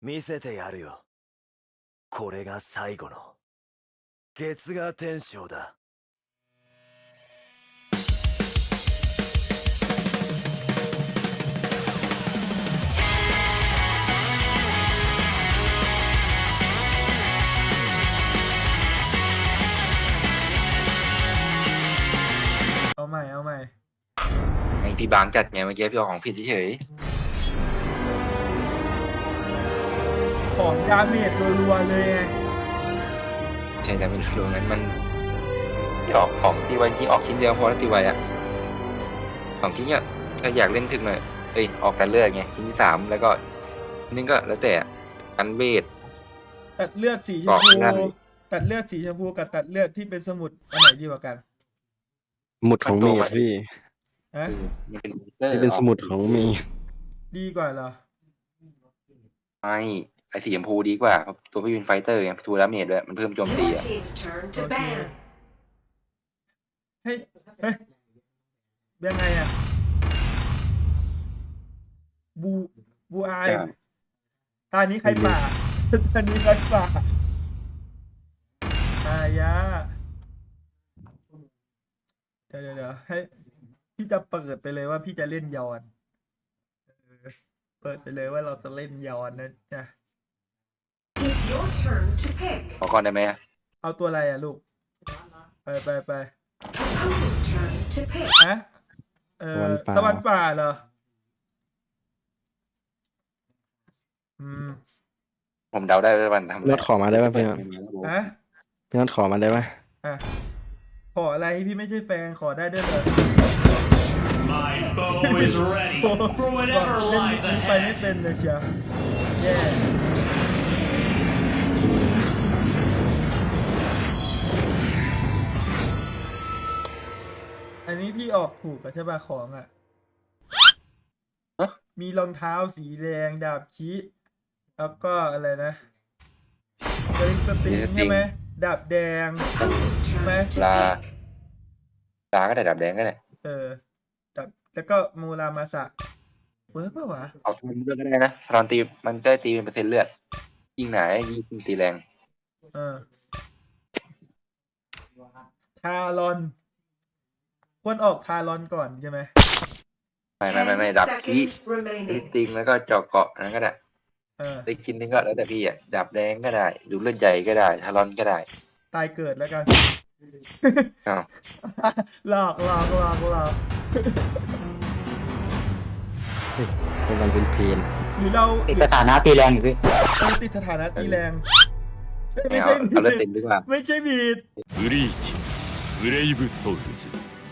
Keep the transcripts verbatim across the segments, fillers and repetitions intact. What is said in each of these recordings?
見せてやるよ。これが最後の月牙天章だ。 เอาใหม่เอาใหม่ไอพี่บางจัดไงเมื่อกี้พี่เอาของผิดเฉยของดาเมจรัวๆเลยไงใช่แต่ไม่รู้นั้นมันที่ออกของตีไวจริงออกชิ้นเดียวพอแล้วตีไวอ่ะสองชิ้นเนี่ยถ้าอยากเล่นถึงหน่อยเอ้ยออกกันเลือดไงชิ้นที่สามแล้วก็นี่ก็แล้วแต่กันเวทตัดเลือดสีชบมอกพูไม่ได้ตัดเลือดสีชมพูกับตัดเลือดที่เป็นสมุดอันไหนดีกว่ากันสมุดของเมย์อะพี่ฮะมันเป็นมอนเตอร์ที่เป็นสมุดของเมย์ดีกว่าเหรอไม่ไอสีชมพูดีกว่าตัวพี่เป็นไฟเตอร์ไงทูดาเมจด้วยมันเพิ่มโจมตี Your อ่ะ team's turn to Okay. ban. เฮ้ยเฮ้ยยังไงอะบูบูอายตอนนี้ใครป่าตอนนี้ใครป่าอายะเดี๋ยวเดี๋ยวเดี๋ยวให้พี่จะเปิดไปเลยว่าพี่จะเล่นยอนเออเปิดไปเลยว่าเราจะเล่นยอนนะจ๊ะ It's your turn to pick. ขอก่อนได้ไหมอะเอาตัวอะไรอ่ะลูก ไปไปไป Opponent's turn to pick. ฮะเออตะวันป่าเหรอ อืมผมเดาได้ว่ามันทำพี่น็อตขอมาได้ป่ะพี่น็อตฮะพี่น็อตขอมาได้ป่ะอ่ะ ขออะไรพี่ไม่ใช่แฟนขอได้ด้วยเหรอ My bow is ready โอ้โห for whatever เล่น lies นี้ไปไม่ ahead. เป็นเลยเชียวแย่อันนี้พี่ออกถูกกับใช่ป่ะของอ่ะ มีรองเท้าสีแดงดาบชีแล้วก็อะไรนะสลิงสติงใช่ไหมดาบแดง Opponent's ใช่ไหม turn to ลา pick. ลาก็ได้ดับแดงก็ได้เออดาบแล้วก็มูรามาสะเวิร์กป่ะวะเอาทุนเลือดก็ได้นะตอนตีมันได้ตีเป็นเปอร์เซ็นต์เลือดยิ่งหนายิ่งตีแรงเออทารอนควรออกทารอนก่อนใช่ไหมไม่ไม่ไม่ไม่ Ten ดับที่ seconds ตี remaining. ติงแล้วก็เจาะเกาะนั้นก็ได้เออได้กินนึงก็แล้วแต่พี่อ่ะดับแดงก็ได้ดูเลือดใหญ่ก็ได้ทารอนก็ได้ตายเกิดแล้วกันอ้าวหลอกหลอกหลอกหลอกเฮ้ยเป็นวันเป็นเพลนหรือเราติดสถานะตีแรงอยู่พี่เออติดสถานะตีแรงเอ้ยไม่ไม่เอาใช่บีเอาเลือดดเต็มดีกว่าไม่ใช่บีดブリーチブレイブソウルズ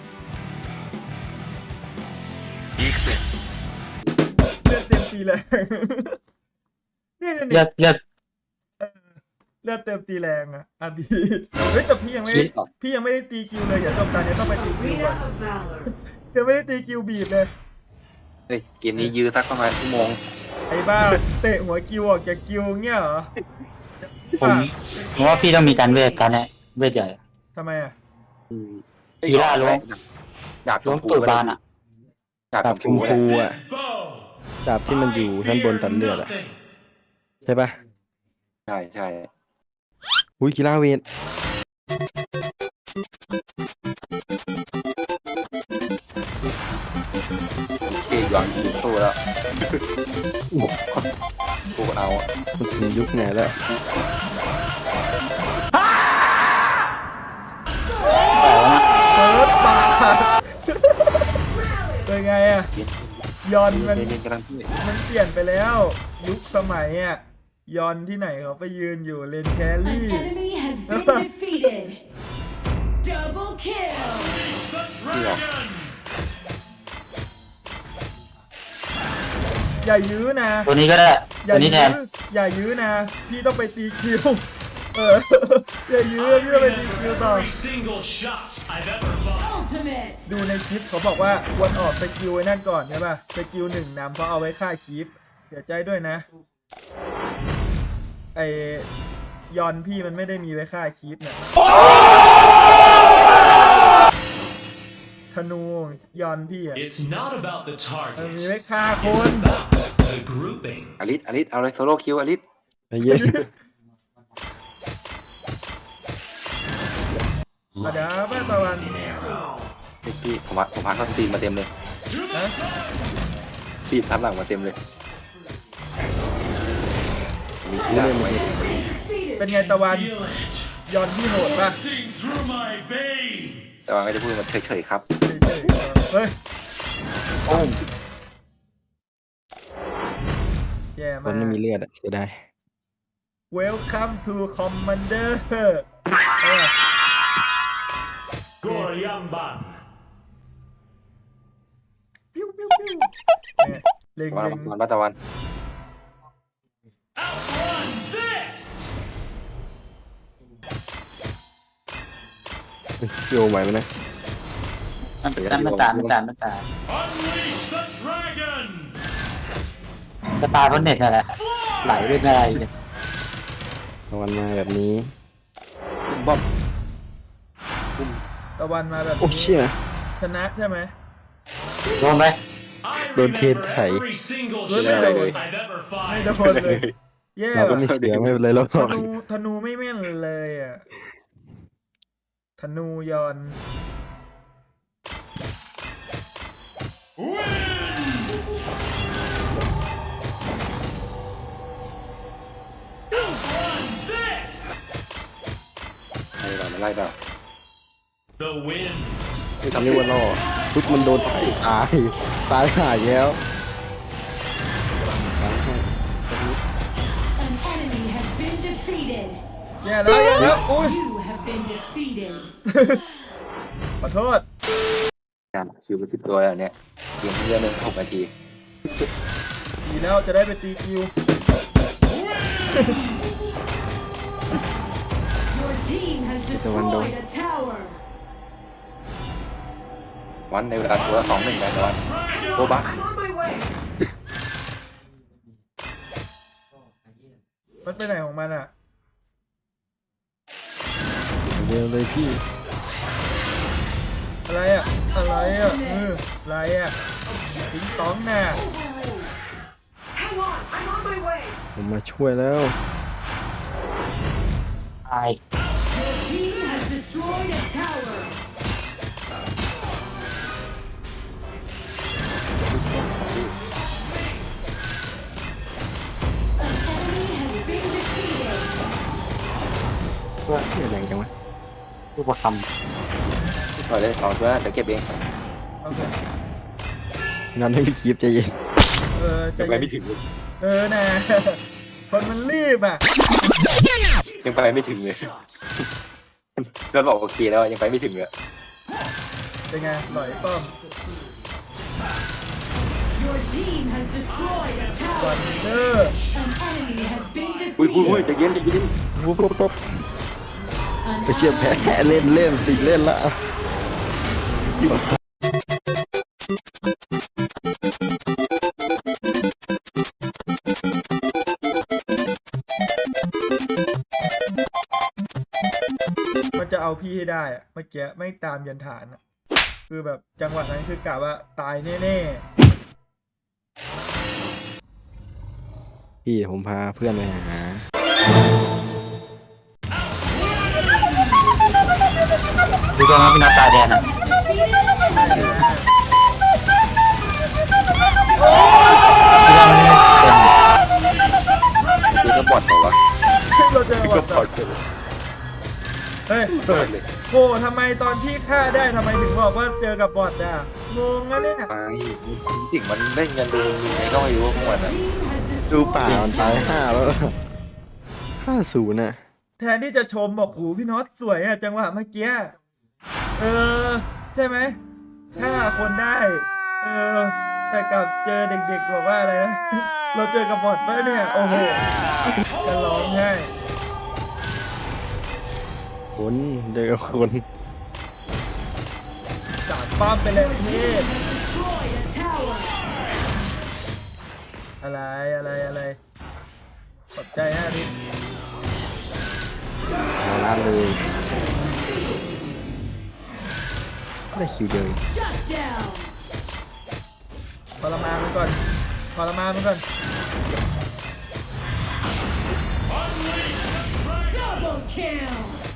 行くぜ。 เลือดเต็มตีแรง เนี่ยเนี่ยเลืเนี่อย ดเลือดเลือดเต็มตีแรงอะอ่ะบีดเฮ้ยแต่พี่ยังไม่ได้พี่ยังไม่ได้ตีคิวเลยอย่าจบการเนี้ต้องไปตีคิวก่อ Arena น of Valor. ยังไม่ได้ตีคิวบีดเลยเฮ้ยเกมนี้ยื้อสักประมาณชั่วโมงไอ้บ้าเตะหัวกิวออกจากกิวเงี้ยเหรอผมผมว่าพี่ต้องมีการเวทการเนี่ยเวทใหญ่ทำไมอ่ะกีฬาล้วงดาบชล้วงมพูตูดบานอ่ะดาบดาบชชมมพูพูอ่ะ Bow. ดาบที่มันอยู่ด้านบนตัดเลือดอ่ะ Nothing. ใช่ป่ะใช่ใช่อุ้ยกีฬาเวทเกยย้อนสู้แล้วสู้เอาอะมันถึงยุคไหนแล้วเปิดปากเป็นไงอ่ะยอนมันเล่นกำลังที่มันเปลี่ยนไปแล้ว ยุคสมัยอ่ะยอนที่ไหนเขาไปยืนอยู่เลนแค An รี่ enemy has been defeated. Double kill. ที่หรออย่ายื้อนะตัวนี้ก็ได้อย่าตัวนี้ยื้แทอน อย่ายื้อนะพี่ต้องไปตีคิวเอออย่ายื้อพี่ต้องไปตีคิวต่อ Every single shot I've ever fought. Ultimate. ดูในคลิปเขาบอกว่าควรออกสกิลไว้นั่นก่อนใช่ป่ะสกิลหนึ่งนำเพราะเอาไว้ฆ่าคลิปเสียใจด้วยนะไอยอนพี่มันไม่ได้มีไว้ฆ่าคลิปนะธนูยอนพี่อ่ะ It's not about the มัน target. มีไว้ฆ่าคน It's about the grouping. อลิสอลิสเอาเลยโซโล่คิวอลิสไอ้เหี้ยมาดาบ้าตะวันพี่พี่ผมพักผมพักท่อนตีนมาเต็มเลย To the ฮะตีนทับหลังมาเต็มเลยมีที่เล่หลันงมาไว้ดิเป็นไงตะวัน feel it ยอนที่โหดป่ะ coursing through my veins. แต่ว่าไม่ได้พูดมันเฉยๆครับเฉยๆเฮ้ยโอ้มแย่คมาน กไม่มีเลือดอะเสียดาย Welcome to Commander เออ Goryamban. ปิ้วปิ้วปิ้วเนี่ยเล็งตะวันเล็งตะวันตะวัน Outrun this. โยไหวไหมนะมันมันไม่ตายไม่ตายไม่ตาย Unleash the dragon. จะตายเพราะเน็ตนั่นแหละไหลเรื่อยๆเลยตะวันมาแบบนี้บอมตะวันมาแบบโอ้นี้เชี่ยชนะใช่ไหมโดนไหม I Don't hit remember high. every single Don't shot hit I've ever ไม่ fired. โดนเลย แย่เราก็ว่ะไม่เสียไม่เป็นไรเราธก็นูธนูไม่แม่นเลยอ่ะ ธนูยอน Win. Outrun this. ไล่เราไล่เรา The wind. ไม่ทำเรียกว่าล่อปุ๊บมันโดนไถ่ตายตายหายแล้ว An enemy has been defeated. แย่แล้วแย่แล้วอุ้ย You have been defeated. ขอโทษการคิวเป็นสิบตัวแล้วเนี่ยเกมที่เล่นเลยหกนาทีดีแล้วจะได้ไปตีคิว Your team has destroyed a tower. วันในเวลาตัวสองหนึ่งกันตะวันโบบัก I'm on my way. มันไปไหนของมันอ่ะเร็วเลยพี่อะไรอ่ะ อะไรอ่ะเอออะไรอ่ะสิงตองน่ะ Hang on, I'm on my way. ผมมาช่วยแล้วตาย Your team has destroyed a tower. An enemy has been defeated. ว่าเชี่ยแรงจังวะผู้ประคปล่อยเลยสองตัวเดี๋ยวเก็บเองโอเคงั้นให้พี่คีบใจเย็นเออยังไปจะไม่ถึงเลยเออน่ะ คนมันรีบอ่ะยังไปไม่ถึงเลยก็บอกโอเคแล้วยังไปไม่ถึงเลยเป็นไงหลอยป้อม Your team has destroyed a ก่อน tower. เดอร์ An enemy has been อุ้ยอุ้ยอุ้ย defeated. ใจเย็นใจเย็นปุ๊บปุ๊บปุ๊บ An ไปเชี่ยแพ้เล่นเล่นติดเล่นละมันจะเอาพี่ให้ได้อะเมื่อกี้ไม่ตามยันฐานอะคือแบบจังหวะนั้นคือกะว่าตายแน่พี่ผมพาเพื่อนไปหาำดูตัวมันพี่นัทตายแทนนะคือก็บอดบอกว่าๆ เราเจอคือวัก็นบอดเลยเฮ้ยเปิดเลยโอ้ทำไมตอนที่ฆ่าได้ทำไมถึงบอกว่าเจอกับบอทอ่ะงงนะเนี่ยไปจริงมันเล่นกันดูยังไงก็ไม่รู้พวกมันอ่ะ team has ดูป่า destroyed มัน a ตาย tower. ห้าแล้วห้าศูนย์น่ะแทนที่จะชมบอกหูพี่น็อตสวยอ่ะจังหวะเมื่อกี้เออ ใช่ไหมฆ่าคนได้ เออ แต่กลับเจอเด็กๆบอกว่าอะไรนะ เราเจอกับบอทปะเนี่ย โอ้โหจะร้องไห้คนเจอคนสามป้อมไปเลยพี่ Destroyed a tower. อะไรอะไรอะไรขอบใจฮะดิมาล้านเลยได้คิวเดียว Shut down. ทรมานมันก่อนทรมานมันก่อน Double kill.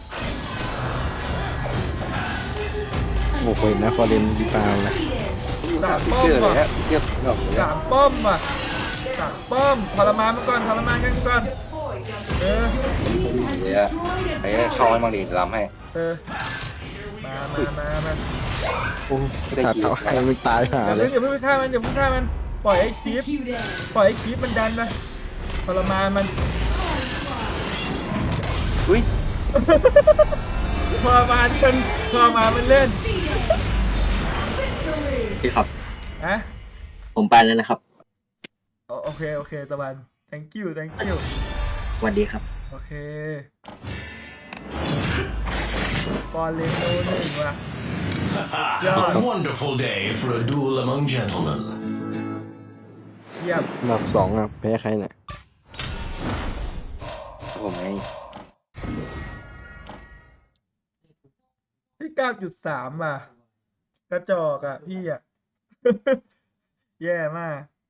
โอ้โหเห็นนะฟอร์เรนดีตามเลยสามป้อมเชื่อเลยว่ะฮะเชื่อผมบอกเลยสามป้อมว่ะสามป้อมทรมานมันก่อนทรมานกันก่อนเออ Team has เดี๋ยว destroyed ไอ้ a เข้าให้ tower. มังดีล้ำให้เออมามามามาโอ้ขาดเท้าให้มันตายหาอย่าเลเพิ่ยงอย่าเพิ่งไปฆ่ามันอย่าเพิ่งฆ่ามันปล่อยไอ้คีฟ Executed. ปล่อยไอ้คีฟมันดันนะทรมานมันอุ้ยทรมานมันทรมานมันเล่น Defeated. Victory. พี่ครับอะผมไปแล้วนะครับโอโอเคโอเคตะวัน thank you thank you สวัสดีครับโอเคบอลเลนโนหนึ่งว่ะ A wonderful day for a duel among gentlemen. เยี่ยมอันดับสองอ่ะแพ้ใครเนี่ยผมไงพี่เก้าจุดสามว่ะ กระจอกอ่ะพี่อ่ะ แย่มาก